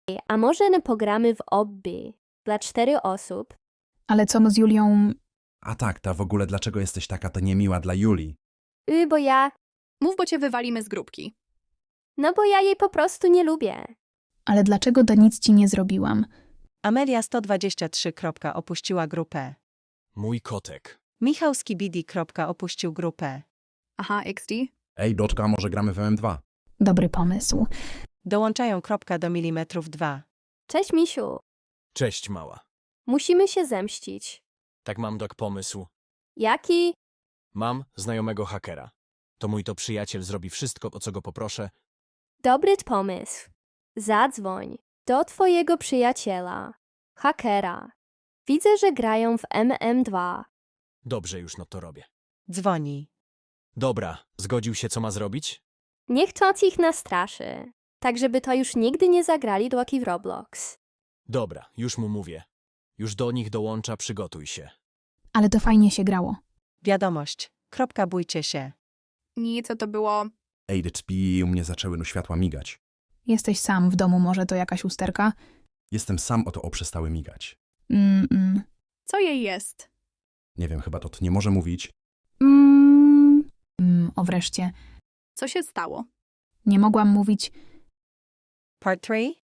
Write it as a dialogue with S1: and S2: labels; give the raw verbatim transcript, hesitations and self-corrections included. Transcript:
S1: A może nie pogramy w obby dla cztery osób?
S2: Ale co z Julią?
S3: A tak, ta w ogóle dlaczego jesteś taka to niemiła dla Julii?
S1: Y, bo ja...
S4: Mów, bo cię wywalimy z grupki.
S1: No bo ja jej po prostu nie lubię.
S2: Ale dlaczego da nic ci nie zrobiłam?
S5: Amelia sto dwadzieścia trzy. Opuściła grupę.
S6: Mój kotek.
S5: Michał Skibidi. Opuścił grupę.
S4: Aha, X D.
S3: Ej, Doczka, może gramy w M M dwa?
S2: Dobry pomysł.
S5: Dołączają kropka do milimetrów dwa.
S1: Cześć, misiu.
S6: Cześć, mała.
S1: Musimy się zemścić.
S6: Tak mam dok pomysł.
S1: Jaki?
S6: Mam znajomego hakera. To mój to przyjaciel zrobi wszystko, o co go poproszę.
S1: Dobry pomysł. Zadzwoń do twojego przyjaciela, hakera. Widzę, że grają w M M dwa.
S6: Dobrze, już no to robię.
S5: Dzwoni.
S6: Dobra, zgodził się, co ma zrobić?
S1: Niech to ich nastraszy, tak żeby to już nigdy nie zagrali do w Roblox.
S6: Dobra, już mu mówię. Już do nich dołącza, przygotuj się.
S2: Ale to fajnie się grało.
S5: Wiadomość. Kropka, bójcie się.
S4: Nie, co to było?
S3: Ej, dyczpi, u mnie zaczęły no światła migać.
S2: Jesteś sam w domu, może to jakaś usterka?
S3: Jestem sam, oto o przestały migać.
S2: Mm, mm.
S4: Co jej jest?
S3: Nie wiem, chyba to nie może mówić.
S2: Mm, mm, o wreszcie.
S4: Co się stało?
S2: Nie mogłam mówić.
S5: Part trzy.